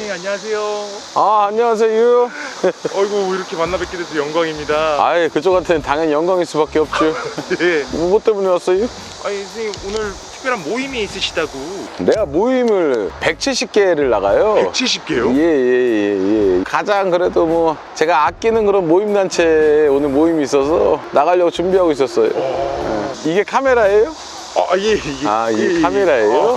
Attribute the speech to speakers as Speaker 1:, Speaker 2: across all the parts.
Speaker 1: 선생님 안녕하세요.
Speaker 2: 안녕하세요.
Speaker 1: 어이구 이렇게 만나 뵙게 돼서 영광입니다.
Speaker 2: 아예 그쪽한테는 당연히 영광일 수밖에 없죠.
Speaker 1: 네.
Speaker 2: 뭐 때문에 왔어요?
Speaker 1: 아니 선생님 오늘 특별한 모임이 있으시다고.
Speaker 2: 내가 모임을 170개를 나가요.
Speaker 1: 170개요?
Speaker 2: 예. 가장 그래도 뭐 제가 아끼는 그런 모임단체에 오늘 모임이 있어서 나가려고 준비하고 있었어요. 이게 카메라예요?
Speaker 1: 이게
Speaker 2: 카메라예요?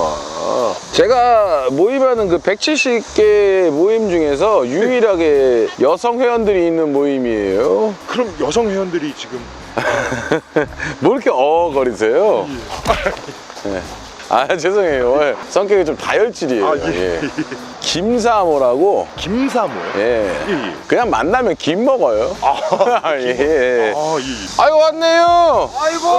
Speaker 2: 제가 모임하는 그 170개 모임 중에서 유일하게 여성 회원들이 있는 모임이에요.
Speaker 1: 그럼 여성 회원들이 지금
Speaker 2: 뭐 이렇게 거리세요? 네. 죄송해요. 성격이 좀 다혈질이에요. 예. 김사모라고.
Speaker 1: 김사모요?
Speaker 2: 예.
Speaker 1: 예.
Speaker 2: 그냥 만나면 김 먹어요. 예.
Speaker 1: 예.
Speaker 2: 아이고 왔네요.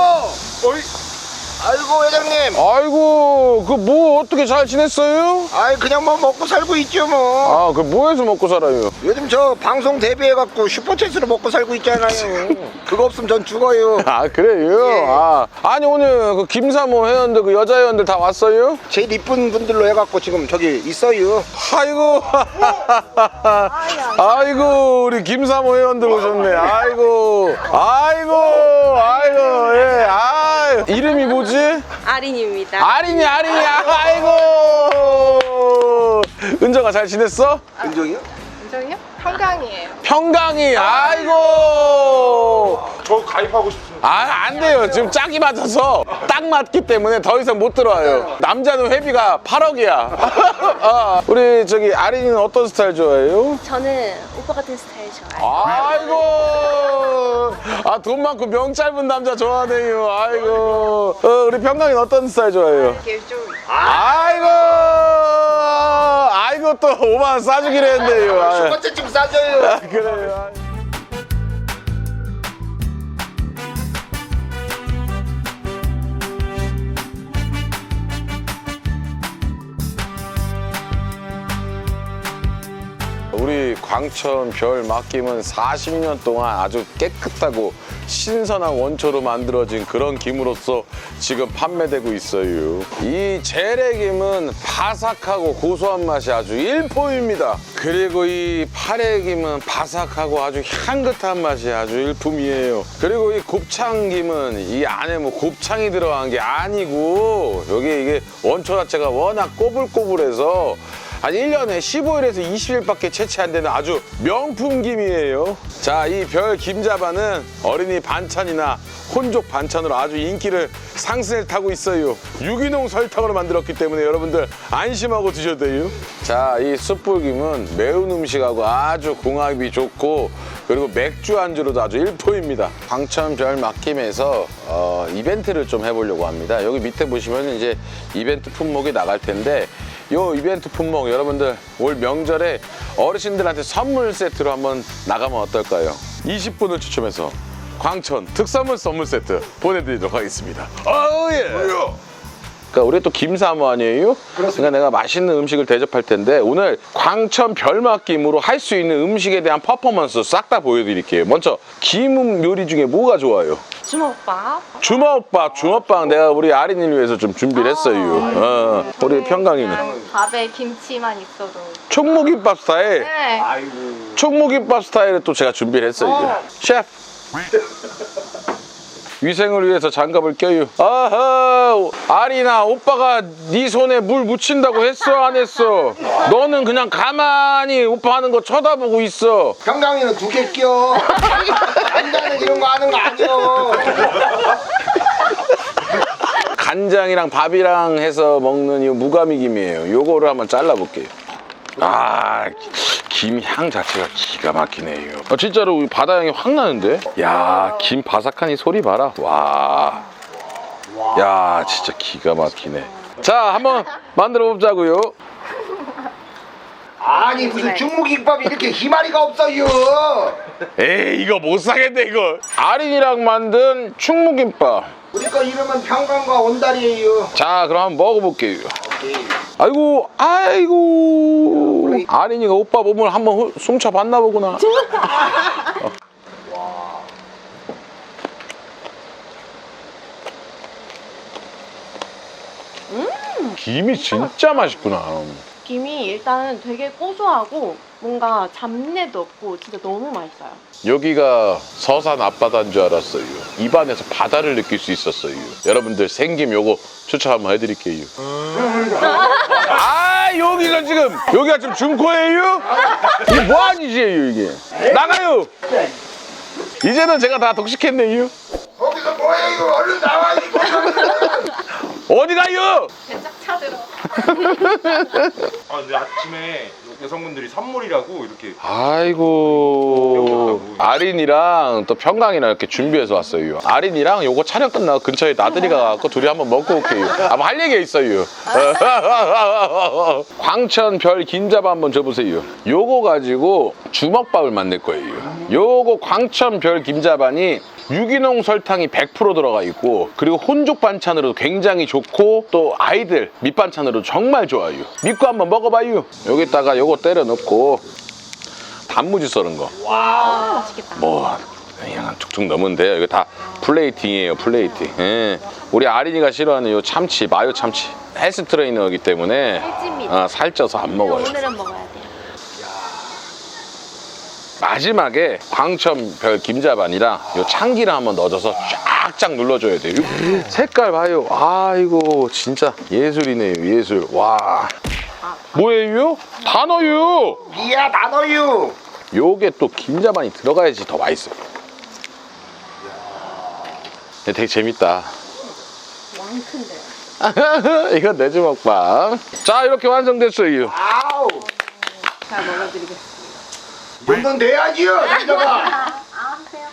Speaker 3: 아이고 회장님.
Speaker 2: 아이고 그 뭐 어떻게 잘 지냈어요?
Speaker 3: 아이 그냥 뭐 먹고 살고 있죠 뭐.
Speaker 2: 그 뭐 해서 먹고 살아요?
Speaker 3: 요즘 저 방송 데뷔해갖고 슈퍼챗으로 먹고 살고 있잖아요. 그거 없으면 전 죽어요.
Speaker 2: 그래요?
Speaker 3: 예.
Speaker 2: 아니 오늘 그 김사모 회원들 그 여자 회원들 다 왔어요?
Speaker 3: 제일 이쁜 분들로 해갖고 지금 저기 있어요.
Speaker 2: 아이고 아이고 우리 김사모 회원들 오셨네. 아이고 예. 이름이 뭐지?
Speaker 4: 아린입니다.
Speaker 2: 아린이 아이고 은정아 잘 지냈어?
Speaker 3: 은정이요?
Speaker 4: 인정이요? 평강이에요.
Speaker 2: 평강이 아이고
Speaker 1: 저 가입하고 싶습니다.
Speaker 2: 안 돼요. 지금 짝이 맞아서 딱 맞기 때문에 더 이상 못 들어와요. 남자는 회비가 8억이야. 우리 저기 아린이는 어떤 스타일 좋아해요?
Speaker 4: 저는 오빠 같은 스타일 좋아해요.
Speaker 2: 아이고 돈 많고 명 짧은 남자 좋아하네요. 아이고 우리 평강이는 어떤 스타일 좋아해요?
Speaker 4: 이렇게 좀
Speaker 2: 아이고 또 5만 원 싸주기로 했네요.
Speaker 3: 슈퍼챗 좀 싸줘요.
Speaker 2: 그래요. 우리 광천 별 맡김은 40년 동안 아주 깨끗하고 신선한 원초로 만들어진 그런 김으로서 지금 판매되고 있어요. 이 재래김은 바삭하고 고소한 맛이 아주 일품입니다. 그리고 이 파래김은 바삭하고 아주 향긋한 맛이 아주 일품이에요. 그리고 이 곱창김은 이 안에 뭐 곱창이 들어간 게 아니고 여기 이게 원초 자체가 워낙 꼬불꼬불해서 한 1년에 15일에서 20일밖에 채취 안 되는 아주 명품 김이에요. 자, 이 별 김자반은 어린이 반찬이나 혼족 반찬으로 아주 인기를 상승을 타고 있어요. 유기농 설탕으로 만들었기 때문에 여러분들 안심하고 드셔도 돼요. 자, 이 숯불김은 매운 음식하고 아주 궁합이 좋고 그리고 맥주 안주로도 아주 일품입니다. 광천 별 맡김에서 이벤트를 좀 해보려고 합니다. 여기 밑에 보시면 이제 이벤트 품목이 나갈 텐데 요 이벤트 품목 여러분들 올 명절에 어르신들한테 선물 세트로 한번 나가면 어떨까요? 20분을 추첨해서 광천 특선물 선물 세트 보내드리도록 하겠습니다. 그러니까 우리 또 김사모 아니에요? 그러니까 내가 맛있는 음식을 대접할 텐데 오늘 광천 별맛김으로 할 수 있는 음식에 대한 퍼포먼스 싹 다 보여드릴게요. 먼저 김 요리 중에 뭐가 좋아요?
Speaker 4: 주먹밥.
Speaker 2: 주먹밥 내가 우리 아린이를 위해서 좀 준비를 했어요. 우리 평강이는
Speaker 4: 밥에 김치만 있어도.
Speaker 2: 총무김밥 스타일.
Speaker 4: 네.
Speaker 2: 총무김밥 스타일을 또 제가 준비를 했어요. 셰프. 위생을 위해서 장갑을 껴요. 아린아 오빠가 네 손에 물 묻힌다고 했어 안 했어? 너는 그냥 가만히 오빠 하는 거 쳐다보고 있어.
Speaker 3: 평강이는 2개 껴. 간장은 이런 거 하는 거 아니요.
Speaker 2: 간장이랑 밥이랑 해서 먹는 이 무가미김이에요. 요거를 한번 잘라볼게요. 김 향 자체가 기가 막히네요. 진짜로 바다 향이 확 나는데? 야, 김 바삭한 이 소리 봐라. 와. 야, 진짜 기가 막히네. 자, 한번 만들어 보자고요.
Speaker 3: 아니 무슨 중무김밥이 이렇게 희마리가 없어요.
Speaker 2: 에이, 이거 못 사겠네, 이거. 아린이랑 만든 충무김밥.
Speaker 3: 우리 거 이름은 평강과 온달이에요.
Speaker 2: 자, 그럼 한번 먹어볼게요.
Speaker 3: 오케이.
Speaker 2: 아이고 아린이가 오빠 몸을 한번 훔쳐봤나 보구나. 김이 진짜 맛있구나.
Speaker 4: 김이 일단 되게 고소하고 뭔가 잡내도 없고 진짜 너무 맛있어요.
Speaker 2: 여기가 서산 앞바다인 줄 알았어요. 입안에서 바다를 느낄 수 있었어요. 여러분들 생김 요거 추천 한번 해드릴게요. 아 여기가 지금 중코예요? 이게 뭐하니지예요 이게? 나가요. 이제는 제가 다 독식했네요.
Speaker 3: 거기서 뭐해 이거 얼른 나와 이거.
Speaker 2: 어디 가요?
Speaker 4: 쫙 차들어.
Speaker 1: 아 근데 아침에 여성분들이 선물이라고 이렇게
Speaker 2: 아이고 아린이랑 또 평강이랑 이렇게 준비해서 왔어요. 아린이랑 요거 촬영 끝나고 근처에 나들이 가갖고 둘이 한번 먹고 올게요. 아마 할 얘기가 있어요. 광천 별 김자반 한번 줘보세요. 요거 가지고 주먹밥을 만들 거예요. 요거 광천 별 김자반이 유기농 설탕이 100% 들어가 있고 그리고 혼족 반찬으로 굉장히 좋고 또 아이들 밑반찬으로 정말 좋아요. 믿고 한번 먹어봐요. 여기다가 요거 때려 넣고 단무지 썰은 거.
Speaker 4: 와, 맛있겠다.
Speaker 2: 뭐 그냥 툭툭 넣으면 돼요. 이거 다 플레이팅이에요. 플레이팅. 예. 우리 아린이가 싫어하는 요 참치, 마요 참치. 헬스 트레이너이기 때문에
Speaker 4: 살찝니다.
Speaker 2: 살쪄서 안 먹어요.
Speaker 4: 오늘은 먹어야 돼요.
Speaker 2: 마지막에 광천별 김자반이랑 요 참기름 한번 넣어줘서 쫙쫙 눌러줘야 돼요. 색깔 봐요. 아이고 진짜 예술이네요. 예술. 와. 뭐예요? 단어요.
Speaker 3: 이야 나너유.
Speaker 2: 요게 또 김자반이 들어가야지 더 맛있어요. 되게 재밌다.
Speaker 4: 왕큰데.
Speaker 2: 이건 내 주먹밥. 자 이렇게 완성됐어요.
Speaker 3: 아우.
Speaker 4: 잘 먹어드리겠습니다.
Speaker 3: 돈도 내야지요 남자가.
Speaker 4: 그래요?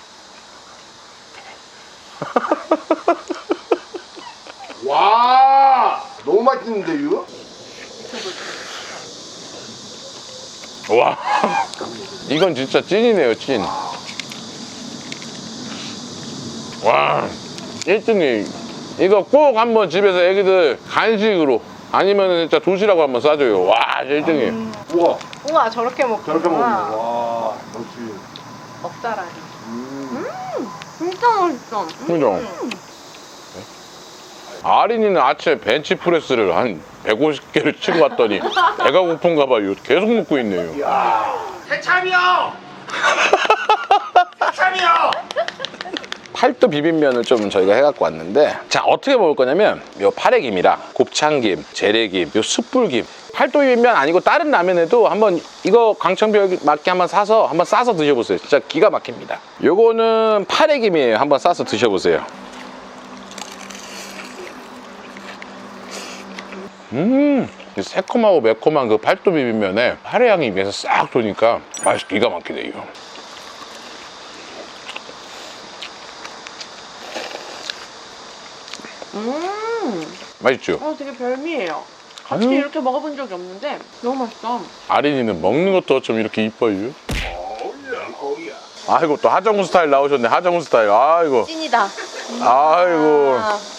Speaker 3: 와 너무 맛있는데요?
Speaker 2: 와 이건 진짜 찐이네요. 찐. 와 1등이 이거 꼭 한번 집에서 애기들 간식으로 아니면 진짜 도시락 한번 싸줘요. 와 1등이.
Speaker 3: 우와
Speaker 4: 우와, 저렇게 먹구나.
Speaker 3: 저렇게 먹는 와 역시.
Speaker 4: 먹자라니. 진짜 맛있어.
Speaker 2: 그죠? 아린이는 아침에 벤치프레스를 한 150개를 치고 갔더니 배가 고픈가 봐요. 계속 먹고 있네요.
Speaker 3: 새참이요. 새참이요.
Speaker 2: 팔도 비빔면을 좀 저희가 해갖고 왔는데 자 어떻게 먹을 거냐면 요 파래김이랑 곱창김, 재래김, 요 숯불김 팔도 비빔면 아니고 다른 라면에도 한번 이거 광천별 맞게 한번 사서 한번 싸서 드셔보세요. 진짜 기가 막힙니다. 요거는 파래김이에요. 한번 싸서 드셔보세요. 새콤하고 매콤한 그 팔도 비빔면에 파래향이 입에서 싹 도니까 맛이 기가 막히네요. 맛있죠?
Speaker 4: 되게 별미예요. 같이
Speaker 2: 아유.
Speaker 4: 이렇게 먹어본 적이 없는데 너무 맛있어.
Speaker 2: 아린이는 먹는 것도 좀 이렇게 이뻐요. 아이고 또 하정우 스타일 나오셨네. 하정우 스타일. 아이고.
Speaker 4: 찐이다.
Speaker 2: 아이고.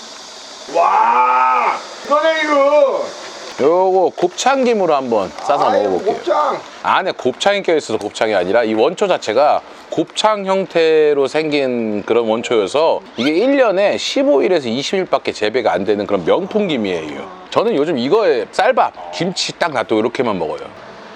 Speaker 3: 와 이거네 이거.
Speaker 2: 요거 곱창김으로 한번 싸서 먹어볼게요.
Speaker 3: 곱창.
Speaker 2: 안에 곱창이 껴있어서 곱창이 아니라 이 원초 자체가 곱창 형태로 생긴 그런 원초여서 이게 1년에 15일에서 20일밖에 재배가 안 되는 그런 명품 김이에요. 저는 요즘 이거에 쌀밥, 김치 딱 놔두고 이렇게만 먹어요.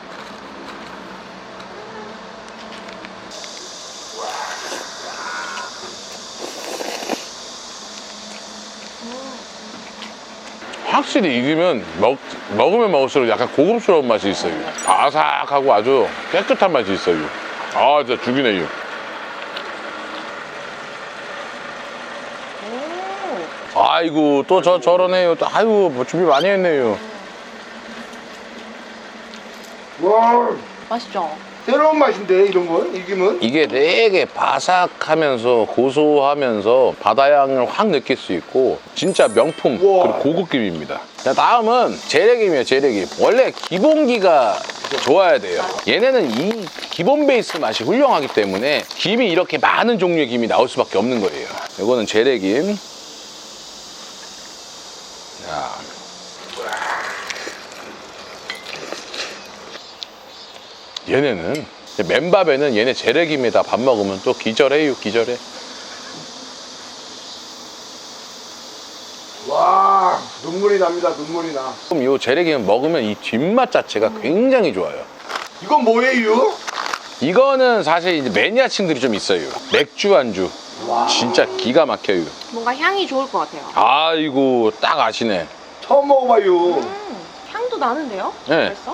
Speaker 2: 확실히 익으면 먹으면 먹을수록 약간 고급스러운 맛이 있어요. 바삭하고 아주 깨끗한 맛이 있어요. 아 진짜 죽이네요. 아이고 또 저러네요. 또 아이고 뭐 준비 많이 했네요.
Speaker 3: 와
Speaker 4: 맛있죠?
Speaker 3: 새로운 맛인데 이런 거 이기면.
Speaker 2: 이게 되게 바삭하면서 고소하면서 바다향을 확 느낄 수 있고 진짜 명품
Speaker 3: 우와.
Speaker 2: 그리고 고급김입니다. 자, 다음은 재래김이에요. 재래김. 원래 기본기가 좋아야 돼요. 얘네는 이 기본 베이스 맛이 훌륭하기 때문에 김이 이렇게 많은 종류의 김이 나올 수밖에 없는 거예요. 이거는 재래김. 자. 얘네는 맨밥에는 얘네 재래김에다 밥 먹으면 또 기절해요. 기절해.
Speaker 3: 와 눈물이 납니다. 눈물이 나.
Speaker 2: 그럼 요 재래기는 먹으면 이 뒷맛 자체가 굉장히 좋아요.
Speaker 3: 이건 뭐예요?
Speaker 2: 이거는 사실 이제 매니아층들이 좀 있어요. 맥주 안주. 진짜 기가 막혀요.
Speaker 4: 뭔가 향이 좋을 것 같아요.
Speaker 2: 아이고, 딱 아시네.
Speaker 3: 처음 먹어봐요.
Speaker 4: 향도 나는데요?
Speaker 2: 네.
Speaker 4: 벌써?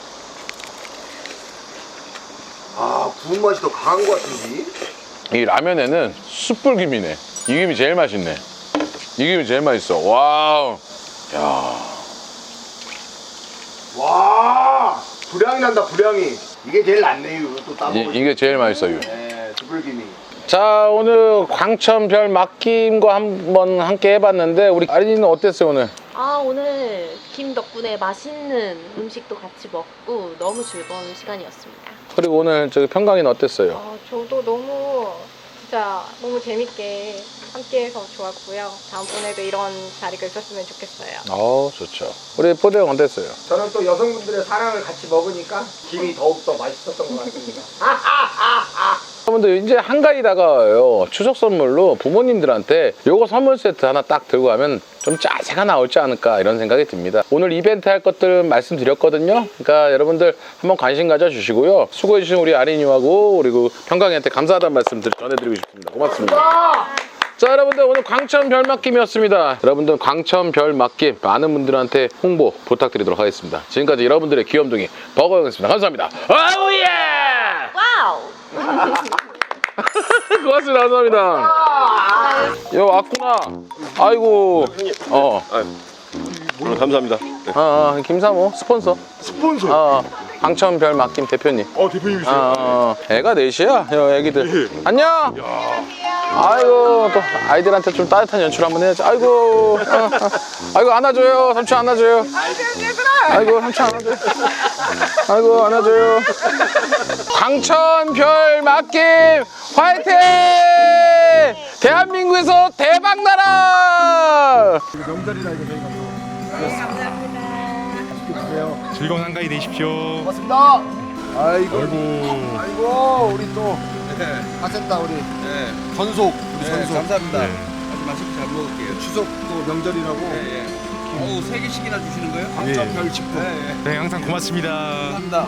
Speaker 3: 아, 구운 맛이 더 강한 것 같은데?
Speaker 2: 이 라면에는 숯불김이네. 이 김이 제일 맛있네. 이 김이 제일 맛있어. 와우. 야.
Speaker 3: 와, 불향이 난다, 불향이. 이게 제일 낫네요. 또 따먹으면.
Speaker 2: 이게 제일 맛있어요.
Speaker 3: 네, 두불김이.
Speaker 2: 자, 오늘 광천별 막김과 한번 함께 해봤는데 우리 아린이는 어땠어요 오늘?
Speaker 4: 아, 오늘 김 덕분에 맛있는 음식도 같이 먹고 너무 즐거운 시간이었습니다.
Speaker 2: 그리고 오늘 저기 평강이는 어땠어요?
Speaker 5: 저도 너무 재밌게 함께해서 좋았고요. 다음번에도 이런 자리가 있었으면 좋겠어요.
Speaker 2: 좋죠. 우리 포대 형 어땠어요?
Speaker 3: 저는 또 여성분들의 사랑을 같이 먹으니까 김이 더욱더 맛있었던 것 같습니다.
Speaker 2: 여러분들 이제 한가위 다가와요. 추석 선물로 부모님들한테 요거 선물 세트 하나 딱 들고 가면 좀 짜세가 나올지 않을까 이런 생각이 듭니다. 오늘 이벤트 할 것들 말씀드렸거든요. 그러니까 여러분들 한번 관심 가져주시고요. 수고해주신 우리 아린이하고 그리고 평강이한테 감사하다는 말씀 전해드리고 싶습니다. 고맙습니다. 자, 여러분들 오늘 광천 별 맡김이었습니다. 여러분들 광천 별 맡김 많은 분들한테 홍보 부탁드리도록 하겠습니다. 지금까지 여러분들의 귀염둥이 버거였습니다. 감사합니다. 아우예!
Speaker 4: 와우!
Speaker 2: 고맙습니다. 감사합니다. 여 왔구나. 아이고.
Speaker 6: 오늘 감사합니다.
Speaker 2: 김사모 스폰서.
Speaker 1: 스폰서.
Speaker 2: 광천별 맡김 대표님.
Speaker 1: 대표님이세요.
Speaker 2: 애가 넷이야. 애기들. 안녕. 아이고 또 아이들한테 좀 따뜻한 연출 한번 해야지. 아이고. 아이고 안아줘요. 삼촌 안아줘요. 아이고 삼촌 안아줘요. 아이고 안아줘요. 광천별 맡김 화이팅! 대한민국에서 대박 나라!
Speaker 1: 즐거운 한가위 되십시오.
Speaker 3: 고맙습니다. 아이고,
Speaker 1: 아이고.
Speaker 3: 아이고, 우리 또 가센다 우리 전속, 우리 전속.
Speaker 7: 감사합니다.
Speaker 1: 네.
Speaker 7: 아주 맛있게 잘 먹을게요.
Speaker 3: 추석 또 명절이라고
Speaker 7: 어우, 3개씩이나 주시는 거예요?
Speaker 3: 광천별 식품.
Speaker 1: 네, 항상 고맙습니다.
Speaker 7: 감사합니다.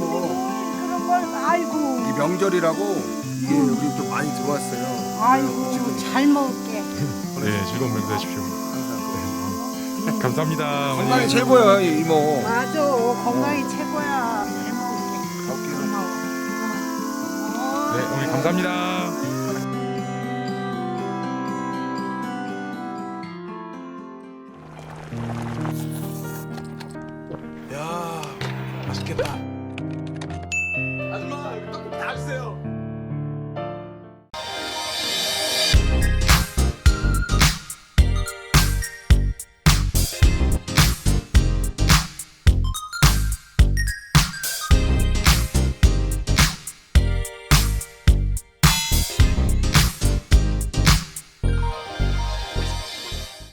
Speaker 3: 이 명절이라고 이게 여기 좀 많이 들어왔어요.
Speaker 8: 아이고
Speaker 3: 지금
Speaker 8: 잘 먹을게.
Speaker 1: 네, 즐거운 명절 되십시오.
Speaker 3: 항상
Speaker 1: 감사합니다. 어머니.
Speaker 3: 건강이 최고야 이모.
Speaker 8: 맞아 건강이 최고야. 잘 먹을게. 고마워.
Speaker 1: 네, 어머니 감사합니다.
Speaker 7: 야, 맛있겠다. 아줌마, 떡국 다 주세요.